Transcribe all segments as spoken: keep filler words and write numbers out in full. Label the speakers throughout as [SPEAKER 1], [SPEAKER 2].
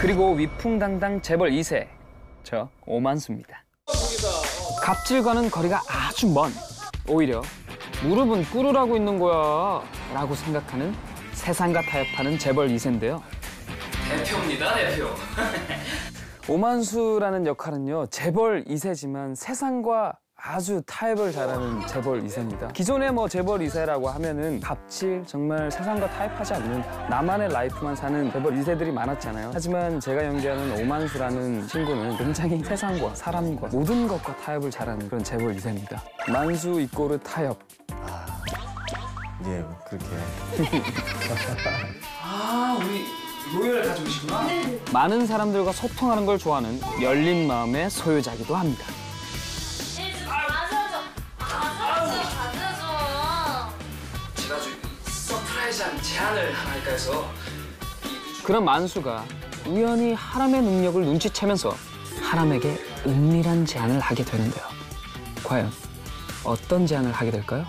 [SPEAKER 1] 그리고 위풍당당 재벌 이 세, 저 오만수입니다. 갑질과는 거리가 아주 먼, 오히려 무릎은 꿇으라고 있는 거야 라고 생각하는 세상과 타협하는 재벌 이 세인데요. 대표입니다, 대표. 오만수라는 역할은요, 재벌 이 세지만 세상과 아주 타협을 잘하는 재벌 이 세입니다. 기존의 뭐 재벌 이 세라고 하면은 갑질, 정말 세상과 타협하지 않는 나만의 라이프만 사는 재벌 이 세들이 많았잖아요. 하지만 제가 연기하는 오만수라는 친구는 굉장히 세상과 사람과 모든 것과 타협을 잘하는 그런 재벌 이 세입니다. 만수 이꼬르 타협.
[SPEAKER 2] 아, 예, 그렇게.
[SPEAKER 1] 아, 우리 로열 가족이시구나. 네. 많은 사람들과 소통하는 걸 좋아하는 열린 마음의 소유자이기도 합니다. 제가 좀 서프라이즈한 제안을 하나 할까 해서. 그런 만수가 우연히 하람의 능력을 눈치채면서 하람에게 은밀한 제안을 하게 되는데요. 과연 어떤 제안을 하게 될까요?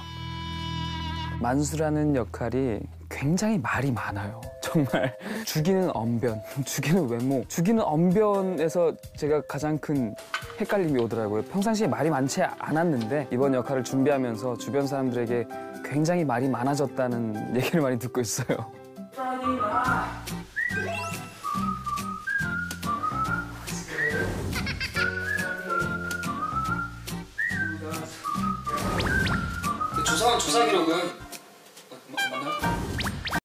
[SPEAKER 1] 만수라는 역할이 굉장히 말이 많아요. 정말 죽이는 언변, 죽이는 외모, 죽이는 언변에서 제가 가장 큰 헷갈림이 오더라고요. 평상시에 말이 많지 않았는데 이번 역할을 준비하면서 주변 사람들에게 굉장히 말이 많아졌다는 얘기를 많이 듣고 있어요. 조사, 조사 기록은